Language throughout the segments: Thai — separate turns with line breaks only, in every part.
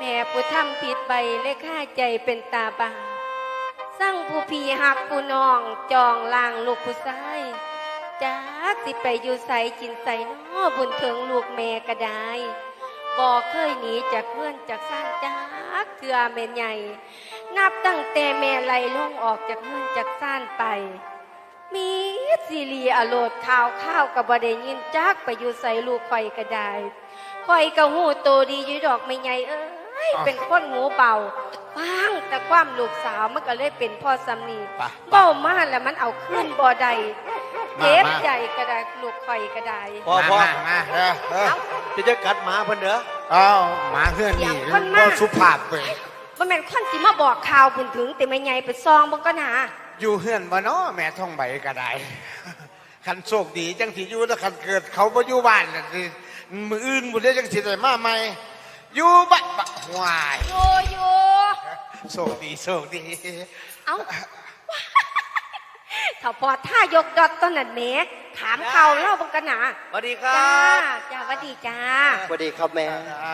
ม่ผู้ทำผิดไปและฆ่าใจเป็นตาบาปสร้างผู้พี่หักผู้น้องจองล่างลูกผู้ชายจากสิไปอยู่ใสจินใสน้อบุญเถิงลูกแม่ก็ได้บ่เคยหนีจากเพื่อนจากสร้างจากเถื่อแม่ใหญ่นับตั้งแต่แม่ไหลล่องออกจากเพื่อนจากซ่านไปมีซีรีอโลดข่าวกับบ่ได้ยินจากไปอยู่ใสลูกข่อยก็ได้ข่อยก็หูโตดีอยู่ดอกแม่ใหญ่เป็นคนหูเบาฟังแต่ความลูกสาวมันก็เลยเป็นพ่อสำนีเบ้ามาแล้วมันเอาขึ้นบ่ได้เจ็บใจก็ได้ลูกข่อยก็ได้
พ่อ
มา
จะกัดหมาเพิ่นเด้อ
หมาเพื่อนนี่ก็สุภาพไป
มันเป็นคนที่มาบอกข่าวบุญถึงแต่แม่ใหญ่ไปซองบังก็หนา
อยู่เฮือนบ่เนาะแม่ท่องใบก็ได้คันโชคดีจังสิอยู่ถ้าคันเกิดเขาบ่อยู่บ้านมืออื่นบุได้จังสิได้มาใหม่อยู่บ้านหวาย
อยู่
โชคดี
เอ้าถ้าพอถ้ายกดอทต้นนั่นแม่ถามเขาเล่าบังกันหนา
สวัสดีครับ
จ้าสวัสดีจ้า
สวัสดีครับแม่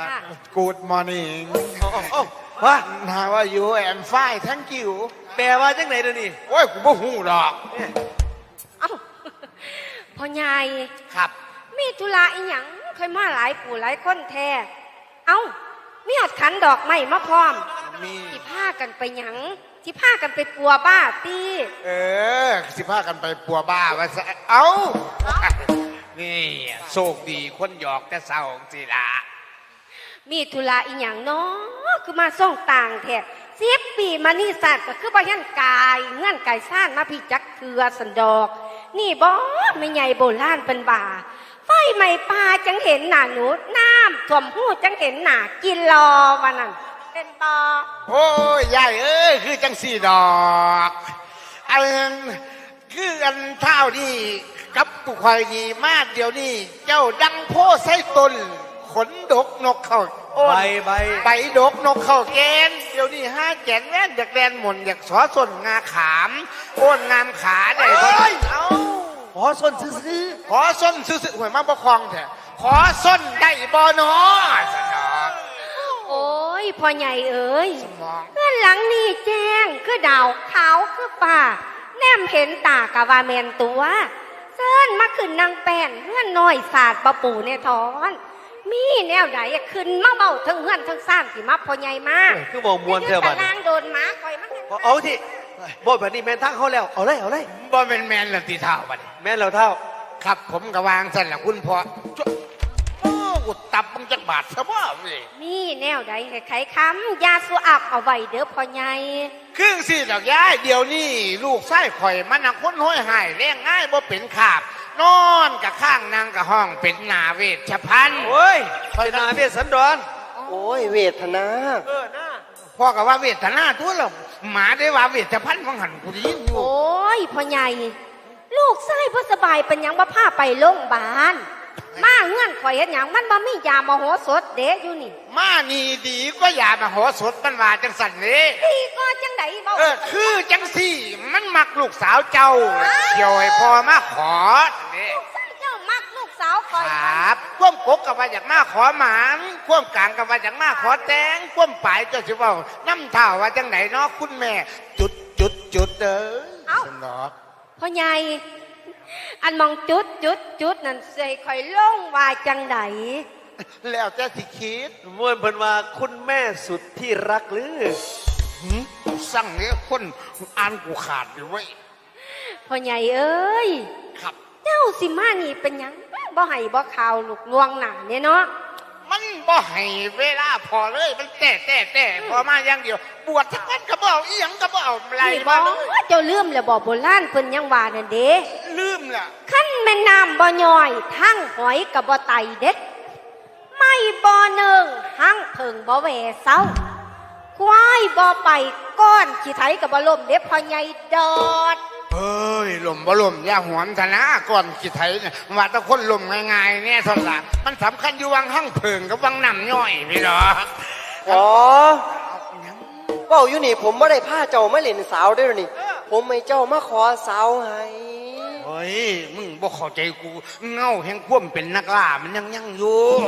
Good morning
ว่า
นาว่าอยู่แอมไฟทั้งกิ้ว
แปลว่าจังไหนเดี๋ยวนี้
โอ้ยกูบ่ฮู้ดอก
เอ้าพ่อใหญ่
ครับ
มีธุระอีหยังเคยมาหลายปู่หลายคนแท้เอ้ามีหอดขันดอกไม้มาพร้อมที่พากันไปหยังที่พากันไปปัวบ้าตี
สิพากันไปปัวบ้าว่าเอ้านี่โชคดีคนหยอกแต่เศร้าสิล่ะ
มีธุระอีหยังเนาะคือมาส่งต่างแท้10 ปีมานี่สัตว์ก็คือบ่ยันกายเงื่อนกายซ่านมาพี่จักเคือสันดอกนี่บ่ไม่ใหญ่โบราณเป็นบ่าไฟไหม้ป่าจังเห็นหน้าหนูน้ำท่วมหูจังเห็นหน้ากินรอวันนั้นเป็นบ่
โอ้ยยายคือจังสี่ดอกอันคืออันเท่านี่กับปุควายนี่มาเดี๋ยวนี้เจ้าดังโพไส้ตนขนดกนกเข้าใบดกนกเข้าแกนเดี๋ยวนี้ห้าแกนแว่นอยากแดนหม่นอยากสอส้นงาขามโอนงามขาได้บ่เอา
ขอส้นซื้อ
ขอส้นซื้อหวยมาประคองแท้ขอส้นได้บ่เนาะสนอก
โอ้ยพ่อใหญ่เอ้ยเพื่อนหลังนี่แจ้งคือดาวขาวคือป่าแนมเห็นตากะว่าแมนตัวเซินมาขึ้นนางแป้นเพื่อนน้อยศาสตร์ปะปู่เนี่ยทอนมีแนวไหนขึ้นมาเบาทั้งเฮือนทั้งซ่านสิมาพ่อใหญ่มา
คือบอกมวนเท่าบัด
นางโดนหมาคอยมัน
เอาที่บ่แบบนี้แมนทั้งเขาแล้วเอาเลย
บ่เป็นแมนละตีเท่าบัด
แมนเราเท่า
ครับผมกะวางสั่นละคุณพ่ออุดตับมึงจักบาทซะบ่
นี่แนวใดให้ไขคำยาสูอับเอาไว้เด้อพ่อใหญ่
ครึ่งสิดอกย้ายเดี๋ยวนี้ลูกไส้ข่อยมันน่ะคนห้อยหายแรงง่ายบ่เป็นขาบนอนกับข้างนางกับห้องเป็นนาเวชภัณฑ์
โอ้ยเป็นนาเวชสันดรโอ้ยเวทนา
พ่อกับว่าเวทนาตัวเราหมาได้ว่าเวชภัณฑ์ของหันกูได้ยินอยู่
โอ้ยพ่อใหญ่ลูกไส้พ่อสบายเป็นยังบ่พาไปโรงพยาบาลมาเงื่อนข่อยเห็นอย่างมันบ่มียามโหสถเด็กอยู่นี่
มานี่ดีก็ยามโหสถมันว่าจังสันนี่
ดีก็จังไดเบ้า
คือจังสี่มันมักลูกสาวเจ้าเกี่ยวให้พ่อมาขอ
นี่เจ้ามักลูกสาวข่อย
ครับควมกกกับว่าอยากมาขอหมานควมกลางกับว่าอยากมาขอแตงควมปลายเจ้าสิว่าน้ำเท่าว่าจังไหนเนาะคุณแม่จุดสนอ
พ่อใหญ่อันมองจุดนั่นเสยคอยลงว่าจังได
แล้วแต่สิคิด
ม่วนเพิ่นว่าคุณแม่สุดที่รักหรือ
สั่งเนี่ยคนอ่านกูขาดอยู่ไว้
พ่อใหญ่เอ้ย
ครับ
เจ้าสิมานี่เป็นยังบ่ให้บ่ข่าวลูกลวงหนาเนี่ยเนาะ
มันบ่ให้เวลาพอเลยมันแต่พอมาอย่างเดียวบวชทั้งวันก็บ่เอาอีหยังก็บ่เอาอะไร
มาเลยเจ้าลืมแล้วบ่โบราณเพิ่นยังว่านั่นเด้
ลืมล่ะ
คั่นแม่น้ำบ่ย่อยทั้งหอยก็บ่ไตเด็ดไม่บ่เนึงทั้งเพิงบ่แหวเซาควายบ่ไปก้อนขี้ไถก็บ่ล่มเด้พ่อใหญ่ดอด
เฮ้ยลมบ่ลมอย่าหวนซะนะก่อนขี้ไถเนี่ยว่าแต่คนลมง่ายๆเนี่ยเท่านั้นมันสำคัญอยู่วังหั่งเพิงกับวังน้ำย่อยพี่น้อง
อ๋อเว้าอยู่นี่ผมบ่ได้พาเจ้ามาเล่นสาวเด้อนี่ผมให้เจ้ามาขอสาวให้
เฮ้ยมึงบ่เข้าใจกูเงาแห่งความเป็นนักล่ามันยังอยู่
โ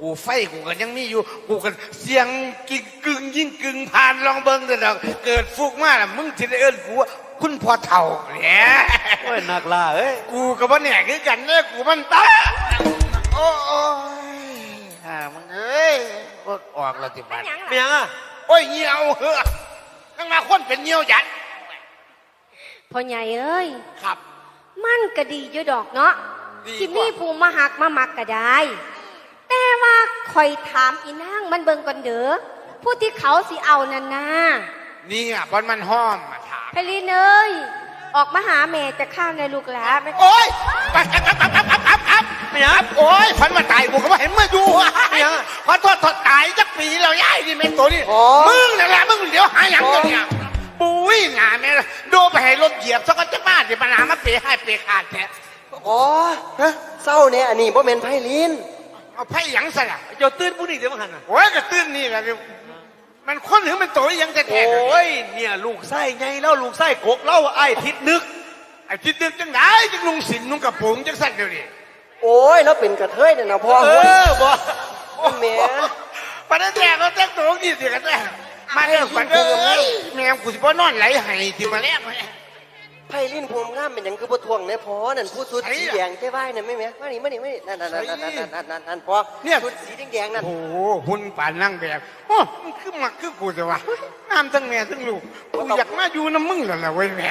กูไฟกูก็ยังมีอยู่กูกันเสียงกิ่งกึ่งยิ่งกึ่งผ่านลองเบิ้งแต่ดอกเกิดฟุกมาล่ะมึงจะได้เอิ้นกูว่าคุณพ่อเฒ่าเนี่ย
โอ้ยนักล่าเอ้ย
กูกับว่าเนี่ยคือกันเนี่ยกูมันตาโอ้ยมึงเอ้ยรถออกแล้วที่บ้าน
เป็นยังอ่ะ
โอ้ยเหี่ยวเหอะทั้งมาคนเป็นเหี่ยวยัด
พ่อใหญ่เอ้ย
ครับ
มันก็ดีอยู่ดอกเนาะ
ดีกว่า
ที่มีผู้มาหักมามักก็ได้ แต่ว่าคอยถามอีนางมันเบิ่งก่อนเด้อผู้ที่เขาสิเอานั่นนะ
นี่อ่ะบอลมันห้อมมาถาม
ไพลินเอ้ยออกมาหาแม่จะข้าวในลูกหลานไหม
โอ้ยครับไม่ครับโอ้ยฝันว่าตายกูก็ว่าเห็นเมื่อดูขอโทษตายจักปีแล้วย่ายนี่แม่ตัวนี้มึงนั่นแหละมึงเดี๋ยวหาอย่างตัวเนี่ยปุ้ยงานแม่โดนไปให้รถเหยียบสักก็จะบ้าเดี๋ยวปัญหามาเปย์ให้เปย์ขาดแท้
อ๋อฮะเศร้าเนี่ยอันนี้บ่แม่นไพลิน
เอาไพ่หยังซะล่ะ
เจ้าตื่นผู้นี้เดี๋ยวมาหันอ่ะ
โอ้ยกระตื้นนี่แหละมันคนถึงมันตัวยังแท้
โอ้ยเนี่ยลูกไส้ไงเล่าลูกไส้กกเล่าไอ้ทิศนึก
ไอ้ที่ดึกจังไหนจังลุงสินนุ่งกระโปรงจังสั่นเดี๋ยวนี้
โอ้ยแล้วเป็นกระเทยเนี่ยนะพ่อ
บ่
แม่
ประเดี๋ยวแต่ก็แต่งตัวนี่สิกันแน่มาแล้วกันเอ้ยแม่กูสิบ่นอนไหลไห้ที่มาแล้ว
ไพลินพวงงามเป็นหยังคือบ่ทวงเนี่ยพ่อนั่นผู้สุดสีแดงแก้ไหวนั่นไม่แม่มานี่นั่นพ่อชุดสีแดงนั่น
โอ้โหหุ่นป่านนั่งแบบโอ้มันคือมักคือกูจะวะงามทั้งแม่ทั้งลูกกูอยากมาอยู่น้ำมึงแล้วล่ะเว้ยแม่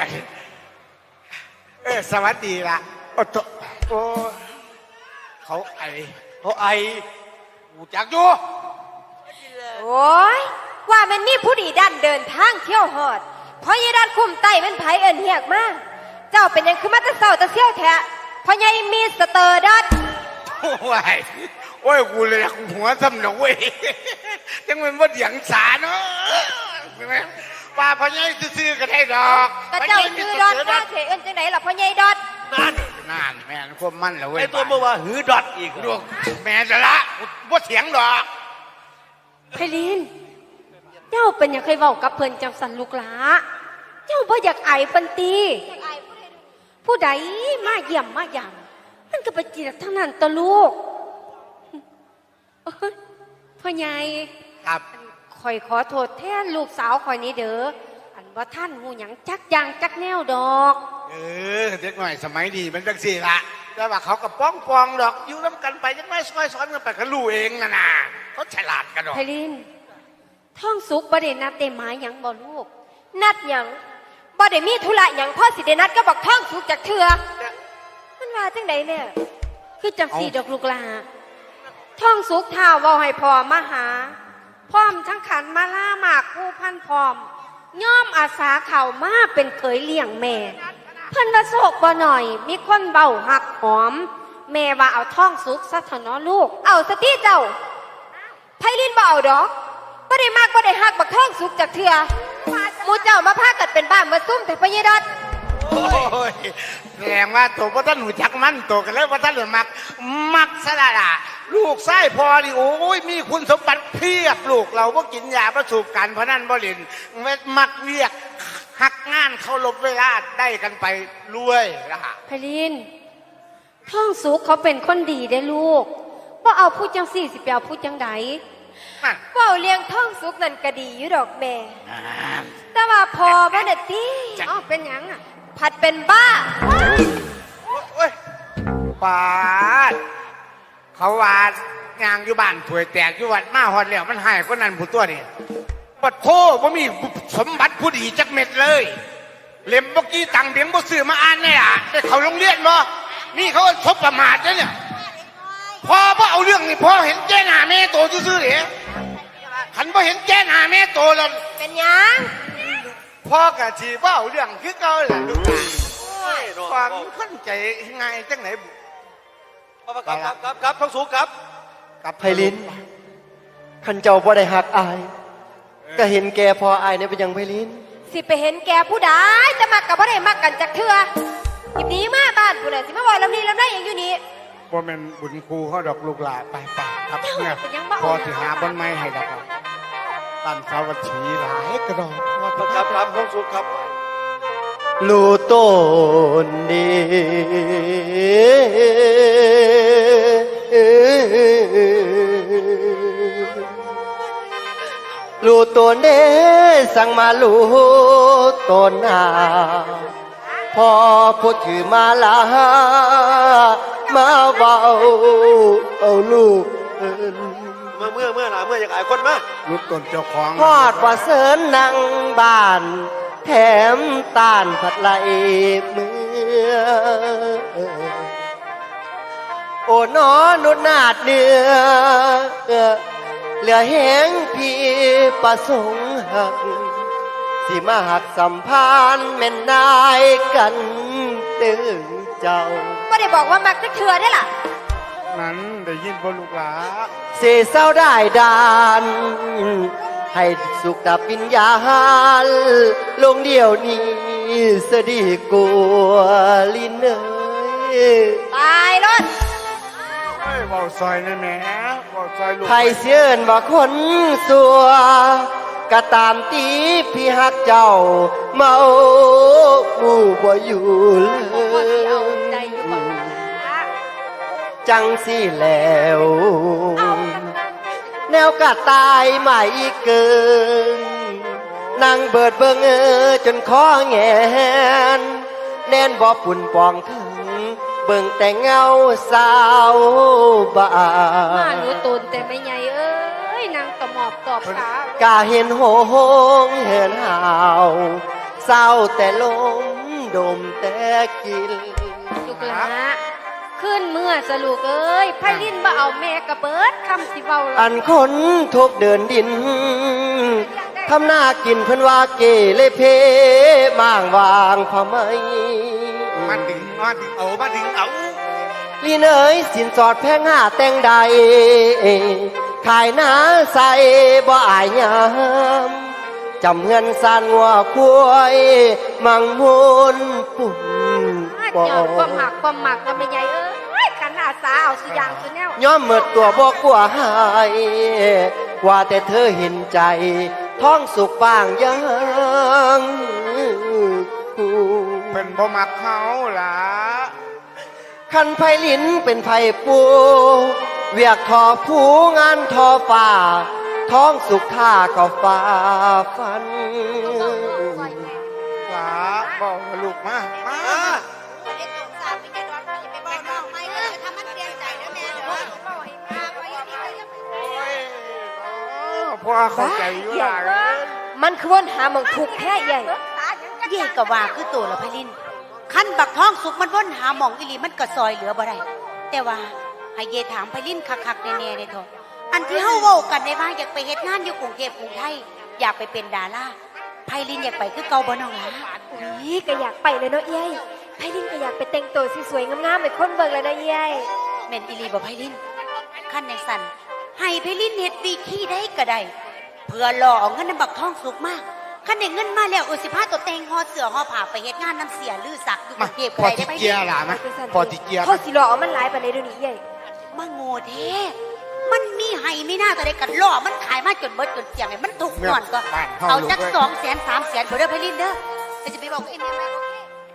สวัสดีล่ะโอ้โตโอ้เขาไอ
เขาไอ
กูจักอยู่
โอ้ยว่ามันมีผู้ดีดันเดินทางเที่ยวหอดเพราะยายดันคุ้มไตเป็นไผเอินเหียกมาเจ้าเป็นหยังคือมาแตะเศร้าแตะเซี่ยวแท้เพราะยายมีสเตอร์ดัด
โอ้ยโอ้ยกูเลยหัวซ้ำหนเว้ยยังเป็นว่าเดียงสาเนาะป้าพ่อใหญ่ซื้อๆก็ได้ดอก
กระเจ้าซื้อดอดว่าเถเอินจังไหนล่ะเพราะยายดอด
นั่น
นั่นแม่นความมั่นแล้วเว้ย
ไอ้ตัวเมื่อว่าหือดอดอีก
ลูกแม่จะละว่าเถียงดอก
ไพลินเจ้าเป็นหยังเคยเว้ากับเพิ่นจำสันลูกหลาเจ้าบ่อยากอายเพิ่นตีผู้ใดมาเยี่ยมมาหยังมันก็ไปจีบทั้งนั้นตะลูกโอ๊ยพ่อใหญ่
ครับ
ข่อยขอโทษแทนลูกสาวข่อยนี้เด้ออันว่าท่านหูหยังจักอย่างจักแนวดอก
เด็กหน่อยสมัยดีมันจังสี่ละแต่ว่าเขาก็ป้องปองดอกอยู่น้ำกันไปยังไม่ซอยซ้อนกันไปเขารู้เองนะเขาฉลาดกันดอก
ไพลินท่องสุกบ่ได้นัดได้หมายหยังบ่ลูก นัดหยังบ่ได้มีธุระหยังพ่อสิได้นัดก็บอกท่องสุกจากเถื่อมันว่าจังใดเนี่ยคือจังสี่ดอกลูกหลาท่องสุกท้าวเว้าให้พ่อมาหาพร้อมทั้งขันมาล่าหมากผู้พันพร้อมย่อมอาสาเข่ามาเป็นเคยเลี้ยงแม่เพิ่นว่าโศกบ่หน่อยมีคนเบาหักหอม แม่ว่าเอาท่องสุกซะเถอะเนาะลูกเอาสติเจ้าไพลินบ่เอาดอกบ่ได้มากบ่ได้หักบักท่องสุกจากเถื่อหมูเจ้ามาพากัดเป็นบ้านมาซุ่มแต่พญดัด
โอ้ยแสดงว่าตัวพระท่านหนูจักมันตัวกันแล้วพระท่านหนูมักสละล่ะลูกไส้พอดิโอ้ยมีคุณสมบัติเพียบลูกเราก็กินยาประสูบกันเพราะนั่นบ่เล่นมักเวียกหักงานเขาลบเวลาได้กันไปรวยละฮะ
ไพลินท่องสุกเขาเป็นคนดีได้ลูกว่าเอาพูดจังสี่สิไปเอาพูดจังใดว่าเลี้ยงท่องสุกนั่นก็ดีอยู่ดอกแม่แต่ว่าพอบ้านเด็ดที่อ๋อเป็นหยังอ่ะผัดเป็นบ้า
โอ้ยปาดเขาวาดงางอยู่บ้านถวยแตกอยู่วัดมาหอดแล้วมันหายก็นั่นผู้ตัวนี่ปัดโทว่ามีสมบัติผู้ดีจักเม็ดเลยเล่มเมื่อกี้ตังเบียงบ่ซื้อมาอ่านเนี่ยได้เขาโรงเรียนบ่นี่เขาทบประมาทเนี่ยพอเอาเรื่องนี่พอเห็นแจ้หน้าแม่โตซื่อๆเหรอขันพอเห็นแจ้หน้าแม่โตแล้ว
เป็นหยัง
พ่อกะชีว่าเอาเรื่องคือเก่าแหละลูกหลานความเข้าใจง่ายจังไหนบุ
ครับท้องสูงครับ
กับ
ไพลินขันเจ้าบ่ได้หักอาย ก็เห็นแกพออายเนี่ยเป็นหยังไพลิน
สิไปเห็นแกผู้ใดจะมักกับบ่ได้มักกันจากเถื่อหยิบหนี้มาบ้านผู้ใดสิมาบอกลำนี้ลำได้อย่างอยู่นี่
ว่าเป็นบุญครูเขาดอกลูกหลานไปครับเนี่ยพอสิหาบนไม้ให้ดอกตันสาวัตถีหลายกระดอก
ครับท้องสูงครับ
ลูต้นดีรู้ตัวเด้สั่งมารู้ตนหาพอพูดถือมาลามาเบาเอาลูกเอิ้น
เมื่อหนาเมื่ออยากอายคนมา
รุดตนเจ้าของ
พอดว่าเสินนั่งบ้าน แถมต้านผัดไหลมือโอ้นอนุดนาดเนื้อเหลือแหงพี่ประสงค์หัก สิมาหักสัมพันธ์แม่นนายกันตึงเจ้า
ก็ได้บอกว่ามักจะเถื่อได้ล่ะ
นั้นได้ยินบ่ลูกหลา
เสียเศร้าได้ดาน ให้สุขดับวิญญาณลงเดียวนี้สดีกลัวลินเอ้ย
ตายรถ
เฮ้ยเบาซอยนี่แหม่เบาซอยลูก
ไทยเสียนว่าคนสัวก็ตามตีพี่ฮักเจ้า เมาหมู่บ่อยู่เล
เอา
ย
ใจอยู่ก่อนนะ
จังสิแล้ว แนวกะตายใหม่เกินนั่งเบิดเบิงจนคอแงนแน่นบ่ปุ่นปองถึง เบิ่งแต่เงาสาวบ้า
มาหนูตูนแต่ไม่ใหญ่เอ้ยนางตะหมอบตอบขาก
าเห็นโหงเห็นหาวเศร้าแต่ลมดมแต่กิน
ลูกหลาขึ้นเมื่อสลูกเอ้ยไพลินมาเอาแม่กระเบิดคำสิเบาหร
อันคนทุกเดินดินทำหน้ากินเพิ่นว่าเกเลยเพมางวางพะไหม
มาดึงเอา
ลีเนยสินสอดแพงห้าแต่งใดขายหน้าใส่บ่อายยามจำเงินสานงัวคุ้ยมังมุนปุ่น
หยอดความหักก็ไม่ใหญ่เอ้ยขันอาสาเอาสุยางสุแนว
ย้อมเมิดตัวบอกกลัวหายว่าแต่เธอเห็นใจ ท้องสุกบ้างยังกู
เป็นบ่มักเขาล่ะ
คันไพลินเป็นไพปูเวียกทอผู้งานทอฝ่า ท้องสุกท่าก็ฝ่าฟัน
หลาบอกว่าลูกมา พ่อเข้าใจอยู่ล่ะ
มันคือวนหาหมองถูกแท้ใหญ่
เย่ก็ว่าคือตัวละพลินขั้นบักท้องสุกมันว่นหาหมองอิลีมันก็ซอยเหลือบ่ได้แต่ว่าให้เย่ถามพลินคักๆแน่ๆในทองอันที่เฮาเว้ากันในว่าอยากไปเฮ็ดงานอยู่กรุงเทพกรุงไทยอยากไปเป็นดาราไพลินอยากไปคือเก่าบ่น้องหลา
นี่ก็อยากไปเลยเนาะเย้ยไพลินก็อยากไปแต่งตัวสวยๆงามๆไปคนเบิ่งเลยนะเย้ย
แม่นอิลีบ่ไพลินขั้นในสั่นให้ไพลินเฮ็ดวีขี้ได้ก็ได้เพื่อหล่อเอาเงินนำบักท้องสุกมากขั้นได้เงินมาแล้วสิพาตัวแต่งห่อเสื้อห่อผ้าไปเฮ็ดงานน้ำเสียลือสักอยู่ก
มา
รุงเทพก็
พอ
ได้
ติ
ได้ไป
เกียร์ล่ะนะพอติเกียร์
เขาสิหลอกเอามันหลายปานใดเดี๋ยวนี้เย้ย
มาโง่แท้มันมีให้ไม่น่าจะได้กันล่อมันขายมาจนเบิดจนเสียงไงมันถูกก่อนก็ เอาจัก200,000 300,000บ่ได้ไปลิ้นเด้อแต่จะไปบอกเอ็มยังไงโอเค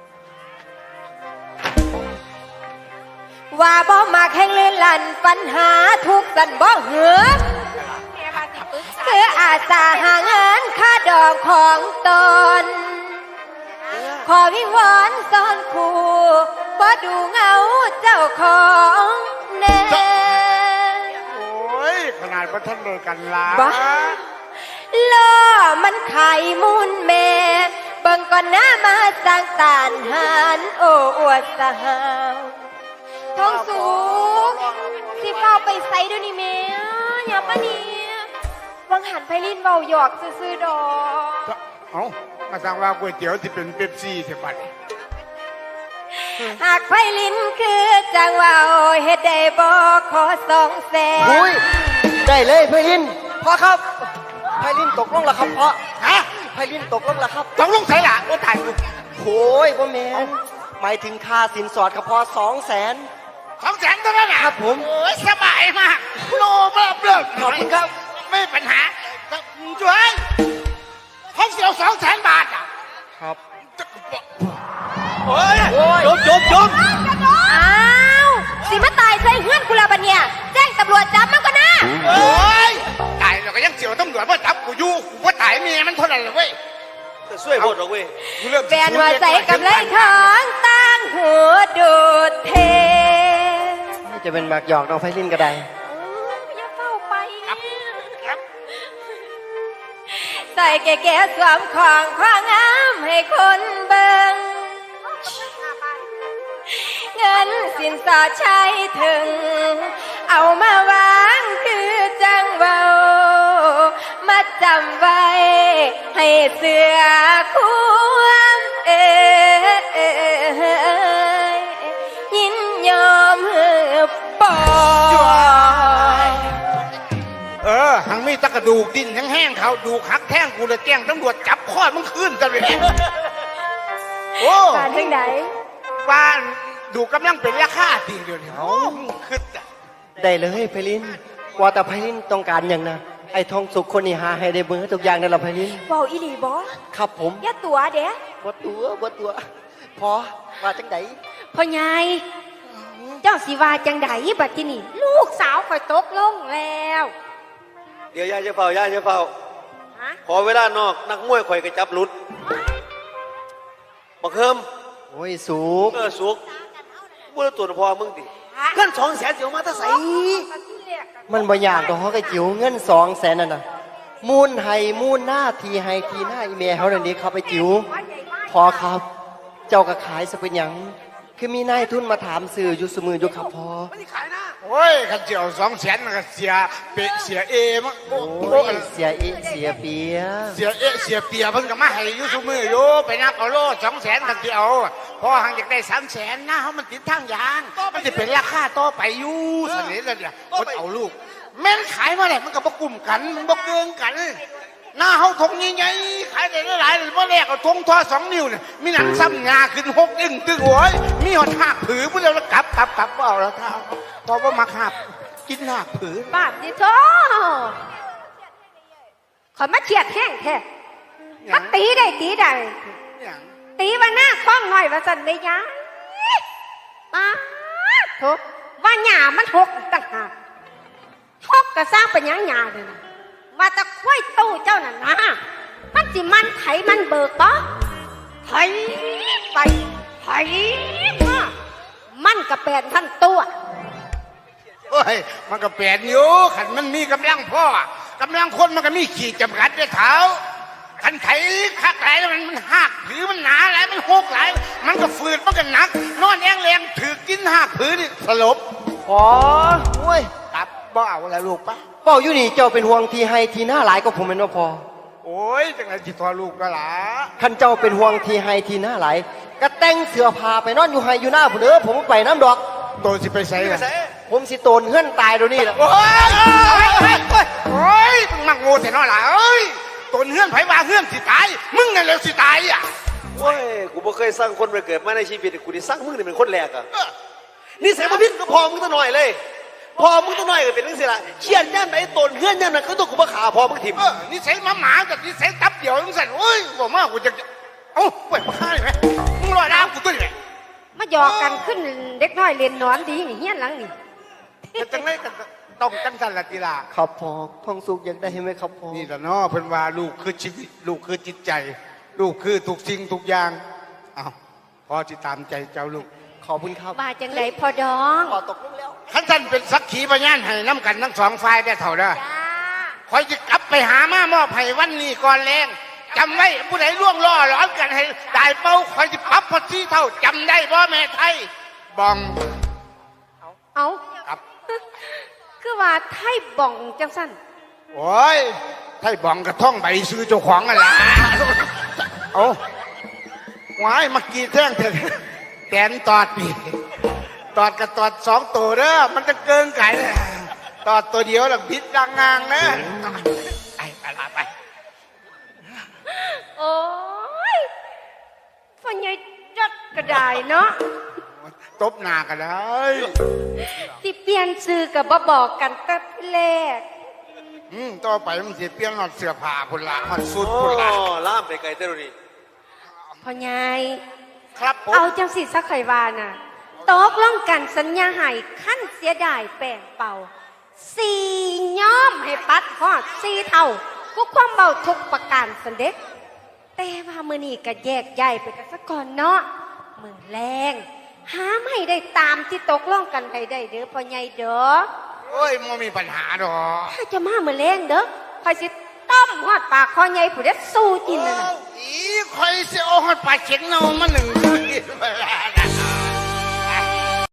ว่าบ่มาแข่งเล่นลันปัญหาทุกสันบ่เหือคืออาสาหาเงินค่าดอกของตน ขอวิงวอนซ่อนคู่บ่ดูเงาเจ้าของแน่
โอ้ยขนาดว่าท่านเลิกกันละ
บ้า ล่อมันไข่มุนแม่เบิ่งก่อนหน้ามาสร้างตานหานโอ้อวดสหาวท้องสูงสิเฝ้าไปใส่ด้วยนี่แม่อย่ามานี่วังหันไพลินเบาหยอกซื่อๆดอก
เอ้ามาสั่งว่าก๋วยเตี๋ยวที่เป็นเป๊ปซี่เสียบัด
หากไพลินคือจังว่าเฮ็ดได้บ่ขอ200,000
อุ้ยได้เลยไพลินพ่อครับไพลินตกลงแล้วครับพ่อ
ฮะ
ไพลินตกลงแล้วครับ
ต้องลุงใส่หล่ะโอ้ตายกู
โอ้ยพ่อแมนหมายถึงค่าสินสอดครับพ่อ200,000
200,000เท่านั้นน่ะ
ครับผม
โอ้ยสบายมากโลเบิ่มเลย
ขอบคุณครับ
ไม่มีปัญหาช่วยห้องเสียว200,000 บาทอ่ะ
ครับ
โอ้ย
โอ้ย
จบ
อ้าวสิมาตายใส่เฮือนกูและบัดเนี่ยแจ้งตำรวจจับมันก็นะ
โอ้ยตายแล้วก็ยังเสียวตำรวจมาจับกูอยู่กูว่าตายเมียมันเท่านั้นเลยเว้ย
แต่ช่วยโหดหรอกเว้ย
กูเริ่ม
แฟนหัวใจกับไรของตั้งหัวดูดเท
จะเป็นหมากหยอกน้องไพลินก็ได้
อย่าเฝ้าไป
ครับ
ใส่แก่ๆสวมของความงามให้คนเบิ่งเงินสินสอดใช้ถึง เอามาวางคือจังเบามาจำไว้ให้เสือความยินยอมปล่อย
หังมีตะกระดูกดินแห้งๆเขาดูกหักแท่งกูเลยแจ้งตำรวจจับข้อมึงขึ้นกันเลยโอ้
การทั้งไหน
บ้านดูกำลังเป็นราคาตีเดียวนี้โอ้ขึ้นจ้ะ
ได้เลยไพลินว่าแต่ไพลินต้องการอย่างนะไอ้ทองสุกคนนี้หาให้ได้เบิ่งทุกอย่างนั่นแหละไพลิน
เบาอีหลีบอ
ครับผม
อย่าตัวเด้
บ่ตัวพอว่าจังได
พ่อใหญ่เจ้าสิว่าจังไดบัดที่นี่ลูกสาวข่อยตกลงแล้ว
เดี๋ยวยายจะเฝ้ายายจะเฝ้า
ฮะ
ขอเวลานอกนักมวยข่อยกระจับหลุดบักเฮิม
โอ้ยสุก
สุกมึงตัวพอมึงดิเงิน200,000เสียวมาถ้าใส่
มันบ่ยากดอกเขาก็จิ๋วเงิน200,000นั่นน่ะมูลให้มูลหน้าทีให้ทีหน้าอีเมลเขาเดี๋ยวนี้เขาไปจิ๋วพอครับ เจ้าก็ขายสเป็นหยังคือมีนายทุนมาถามสื่ออยู่สมืออยู่ครับพอ
ไม่ได้ขายนะ
โอ้ยขันเจียว200,000มันก็เสียเปะเสียเอมั้งโอ้
โอ้
โห
ยเสียเอะเสียเปีย
เสียเอเสียเปียเพิ่งก็มาให้อยู่ซุมืออยู่ไปนับเอาโล200,000ขันเจียวพอหังอยากได้300,000หน้าเขามันติดทางยางมันจะเป็นราคาต่อไปอยู่สนิทเลยเนี่ยคนเอาลูกแม่นขายมาแหละมันก็บ่กลุ่มกันมันบ่เกินกันหน้าเขาทงใหญ่ๆขายได้หลายๆเลยเพราะแรกเอาทงทอ2 นิ้วเนี่ยมีหนังซ้ำงาขึ้น6 อึ้งตึงโอ้ยมีหอดหักผือพวกเราแล้วกลับว่าเอาแล้วเท้าพอว่ามาหักกินหักผือ
บาปดิโถข่อยมาเฉียดแห้งแท้ถ้าตีได้
อย่าง
ตีว่าหน้าคล้องหน่อยว่าสันได้ยังป้าโถว่าหยามันหกต่างหากหกก็สร้างเป็นหยังหยาเลยนะว่าจะคุ้ยตู้เจ้าน่ะนะมันสิมันไถมันเบิกต่อไถไปไถมามันก็เป็นท่านตัว
โอ้ยมันก็เปลี่ยนอยู่ขันมันมีกำลังพ่อกำลังคนมันก็มีขีดจำกัดด้วยเท้าขันไถคักหลายแล้วมันหักผือมันหนาหลายมันหกหลายมันก็ฝืดมันก็หนักนอนแองแรงถือกินหักผือนี่สลบ
พอโอ้ย
กลับบ่เอาแล้วลูกปะ
เป้าอยู่นี่เจ้าเป็นห่วงทีให้ทีหน้าหลายก็ผมเป็นว่าพอ
โอ้ยจังไรจิตทอลูกก็หล่ะ
คันเจ้าเป็นห่วงทีให้ทีหน้าหลายก็แต่งเสื้อผ้าไปนอนอยู่ให้อยู่หน้าผมเด้อผมบ่ไปน้ำดอก
โตสิไปใส่ละ
ผมสิโตนเฮือนตายเดี๋ยวนี้แหละ
โอ้ยโอ้ยมึงมักโง่แต่น้อยล่ะเอ้ยตนเฮือนไผว่าเฮือนสิตายมึงนั่นแหละสิตายอ่ะ
โอ้ยกูบ่เคยสร้างคนมาเกิดมาในชีวิตกูได้สร้างมึงนี่เป็นคนแรกอะนี่ใส่มาพิษก็พอมึงตัวหน่อยเลย พอมึงตัวหน่อยก็เป็นเรื่องสิละเชียดย่านไหนตนเฮือนย่านนั้นก็ต้องกูมาขาพอมึงถิ่ม
นี่ใส่หมากับนี่ใส่ตับเดียวมึงสั่นโอ้ยบอกมากูจะเอ้าเปิดมาฆ่าเลยไหมมึงรอดาวกูตุ้ยไหม
มาหยอกกันขึ้นเด็กน้อยเรียนนอนดีนี่เฮี้ยนหลังนี่
จะจังไรกันต้องจังสันละกีฬา
ครับพอทองสุกอยากได้ไหมครับพอ
นี่แหละเนาะเพิ่นว่าลูกคือชีวิตลูกคือจิตใจ ลูกคือทุกสิ่งทุกอย่างอ้าวพอจิตามใจเจ้าลูก
ขอบคุณครับ
ว่าจังไดพอดอง
ขอตกลงแล้ว
ขันท่านเป็นสักขีพยานให้น้ำกันทั้งสองฝ่ายได้เท่าเด้อ
จ้า
คอยจะกลับไปหามามอบให้วันนี้ก่อนแรงจำไว้ผู้ใดล่วงล่อหลอนกันให้ตายเป้าคอยจะปรับพอที่เท่าจำได้บ่แม่ไทยบอง
เอา
ครับ
คือว่าไทยบ่องจังสั้น
โอ้ยไทยบองกระท่องใบซื้อเจ้าของอะไรเอาหวายเมื่อกี้แท่งเถอะแตนตอดนี่ตอดกับตอด2 ตัวเด้อมันจะเกินไก่ตอดตัวเดียวหลังพิษดังงางนะไปลาไป
โอ้ยฟันใหญ่จัดกระไดเนาะ
ตบหน้ากันเลย
ที่เปลี่ยนซื้อกับบ่บอกกันแต่แรก
ต่อไปมันเสียเปลี่ยนหอดเสื้อผ้าพุ่นละหอดสุด
โอ้
พุ่นละ
ล่ามไปไกลเต้นนี่
พ่อใหญ่
ครับผม
เอาจังสิสักไขวาน่ะตกลงกันสัญญาให้ขั้นเสียดายแป้งเป่าสี่ย้อมให้ปัดฮอดสี่เท่ากูความเบาทุกประการสันเด็จแต่ว่ามือนี้ก็แยกย้ายไปกันซะก่อนเนาะมือแรงหาไม่ได้ตามที่ตกลงกันได้เด้อพ่อใหญ่เด้อ
โอ้ยไม่มีปัญหาดอก
ถ้าจะมามือแรงเด้อคอยสิต้มฮอดปากพ่อใหญ่ผู้เด็ดสู้กินนั่นน่ะ
อีคอยเสียโอ้ยปลาเช็งเนามาหนึ่งคืนเวลา